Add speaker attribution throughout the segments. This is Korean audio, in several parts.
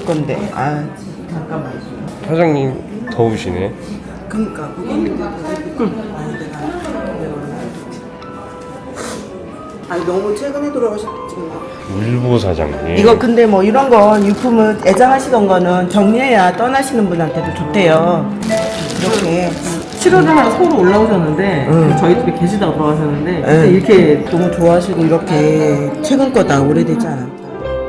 Speaker 1: 건데. 아 잠깐만.
Speaker 2: 사장님 더우시네.
Speaker 1: 그러니까 아니 너무 최근에 돌아가셨지.
Speaker 2: 울보 사장님.
Speaker 1: 이거 근데 뭐 이런 거 유품을 애장하시던 거는 정리해야 떠나시는 분한테도 좋대요. 이렇게
Speaker 3: 7월에 하나 서울 올라오셨는데 저희 집에 계시다가 돌아가셨는데 그때
Speaker 1: 이렇게 너무 좋아하시고 이렇게 최근 거다 오래되지 않았다.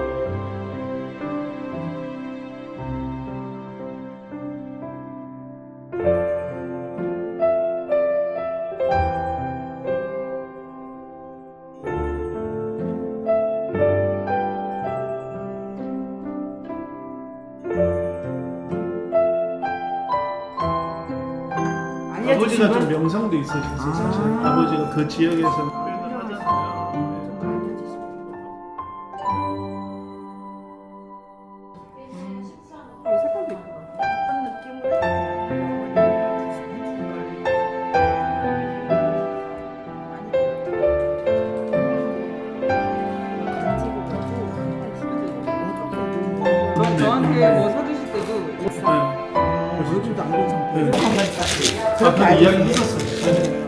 Speaker 4: 아버지가 좀 명성도 있으셨어요. 사실 아버지가 그 지역에서 표현을 하잖아요.
Speaker 3: 색깔도 이쁘다. 저한테 뭐 사주실 때도
Speaker 4: 얼굴도 안 본 상태. 그렇게 이야기 했었어요.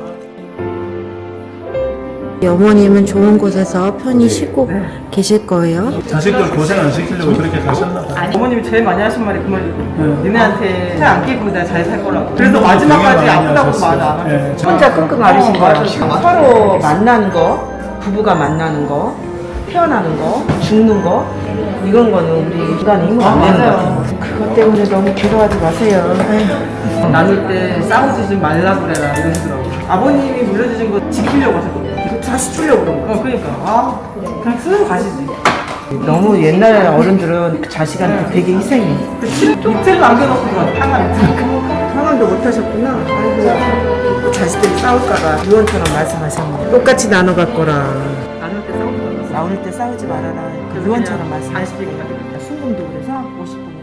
Speaker 5: 어머님은 좋은 곳에서 편히 쉬고 계실 거예요.
Speaker 4: 자식들 고생 안 시키려고 그렇게 가셨나 봐요.
Speaker 3: 아니, 어머님이 제일 많이 하신 말이 그 말이고 니네한테 살 안 끼고 내가 잘 살 거라고. 그래서 마지막까지 아프다고 말 안 하고
Speaker 1: 혼자 끙끙 앓으신 거야. 서로 만나는 거, 부부가 만나는 거, 태어나는 거, 죽는 거 이런 거는 우리 인간의 힘으로 안 되는 거 같아요. 그것 때문에 너무 괴로워하지 마세요. 에휴.
Speaker 3: 나눌 때 싸우지 말라 그래라 이러시더라고. 아버님이 물려주신 거 지키려고 하셨거든요.
Speaker 1: 다시 주려고 그런 거.
Speaker 3: 그러니까 그냥 쓰고 가시지.
Speaker 1: 너무 옛날 어른들은 자식한테 되게 희생해.
Speaker 3: 밑을 남겨놓고 들어가서 상관
Speaker 1: 상황도 못 하셨구나. 아이고, 자식들이 싸울까봐 유언처럼 말씀하셨네. 똑같이 나눠갈 거라.
Speaker 3: 나눌 때 싸우지 말라.
Speaker 1: 싸울 때 싸우지 말아라. 그 유언처럼 말씀하시고.
Speaker 3: 간식이
Speaker 1: 순금도 그래서 50분